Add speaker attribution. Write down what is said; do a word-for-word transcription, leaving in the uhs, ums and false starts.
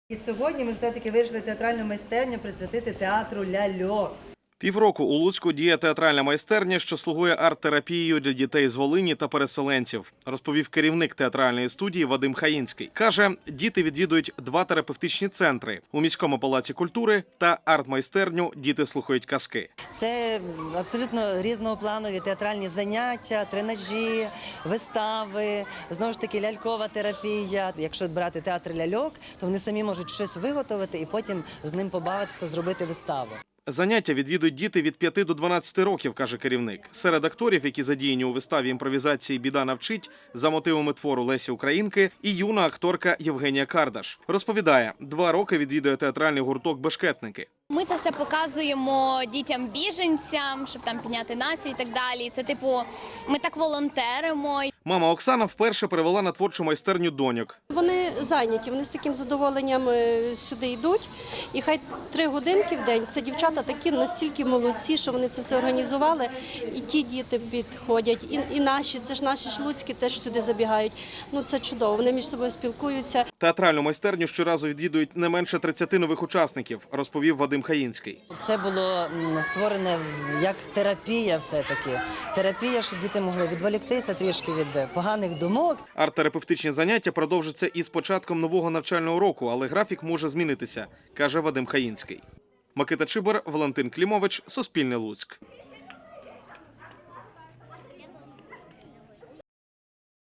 Speaker 1: І сьогодні ми все-таки вирішили театральну майстерню присвятити театру ляльок.
Speaker 2: Півроку у Луцьку діє театральна майстерня, що слугує арт-терапією для дітей з Волині та переселенців, розповів керівник театральної студії Вадим Хаїнський. Каже, діти відвідують два терапевтичні центри – у міському палаці культури та арт-майстерню «Діти слухають казки».
Speaker 3: Це абсолютно різнопланові театральні заняття, тренажі, вистави, знову ж таки лялькова терапія. Якщо брати театр ляльок, то вони самі можуть щось виготовити і потім з ним побавитися, зробити виставу.
Speaker 2: Заняття відвідують діти від п'яти до дванадцяти років, каже керівник. Серед акторів, які задіяні у виставі імпровізації «Біда навчить» за мотивами твору Лесі Українки, і юна акторка Євгенія Кардаш. Розповідає, два роки відвідує театральний гурток «Бешкетники».
Speaker 4: Ми це все показуємо дітям-біженцям, щоб там підняти настрій і так далі. Це, типу, ми так волонтеримо.
Speaker 2: Мама Оксана вперше привела на творчу майстерню доньок.
Speaker 5: Вони зайняті, вони з таким задоволенням сюди йдуть. І хай три годинки в день. Це дівчата такі настільки молодці, що вони це все організували. І ті діти підходять, і, і наші, це ж наші ж луцькі теж сюди забігають. Ну це чудово, вони між собою спілкуються.
Speaker 2: Театральну майстерню щоразу відвідують не менше тридцяти нових учасників, розповів Вадим Хаїнський.
Speaker 3: Це було створене як терапія все-таки. Терапія, щоб діти могли відволіктися трішки від поганих думок.
Speaker 2: Арт-терапевтичні заняття продовжаться і з початком нового навчального року, але графік може змінитися, каже Вадим Хаїнський. Микита Чибар, Валентин Клімович, Суспільне Луцьк.